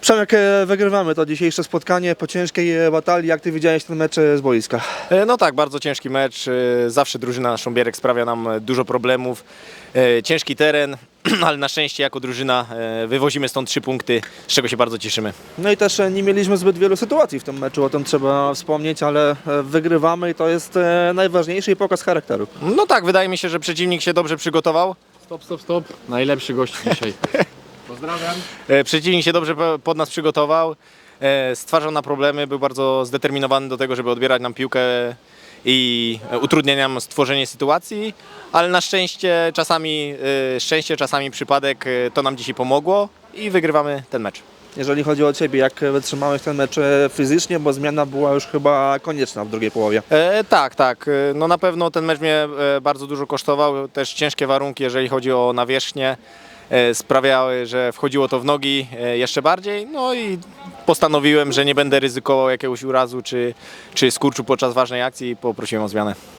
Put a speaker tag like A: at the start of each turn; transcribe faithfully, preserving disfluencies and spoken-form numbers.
A: Przemek, e, wygrywamy to dzisiejsze spotkanie po ciężkiej e, batalii. Jak ty widziałeś ten mecz e, z boiska?
B: E, No tak, bardzo ciężki mecz. E, Zawsze drużyna Szumberek sprawia nam e, dużo problemów. E, Ciężki teren, ale na szczęście jako drużyna e, wywozimy stąd trzy punkty, z czego się bardzo cieszymy.
A: No i też e, nie mieliśmy zbyt wielu sytuacji w tym meczu, o tym trzeba wspomnieć, ale e, wygrywamy i to jest e, najważniejszy pokaz charakteru.
B: No tak, wydaje mi się, że przeciwnik się dobrze przygotował.
C: Stop, stop, stop. Najlepszy gość dzisiaj. Pozdrawiam.
B: E, Przeciwnik się dobrze po- pod nas przygotował. E, Stwarzał nam problemy, był bardzo zdeterminowany do tego, żeby odbierać nam piłkę i e, utrudniać nam stworzenie sytuacji, ale na szczęście czasami e, szczęście, czasami przypadek e, to nam dzisiaj pomogło i wygrywamy ten mecz.
A: Jeżeli chodzi o ciebie, jak wytrzymałeś ten mecz e, fizycznie, bo zmiana była już chyba konieczna w drugiej połowie.
B: E, tak, tak. E, No na pewno ten mecz mnie e, bardzo dużo kosztował. Też ciężkie warunki, jeżeli chodzi o nawierzchnię, e, sprawiały, że wchodziło to w nogi e, jeszcze bardziej. No i postanowiłem, że nie będę ryzykował jakiegoś urazu czy, czy skurczu podczas ważnej akcji i poprosiłem o zmianę.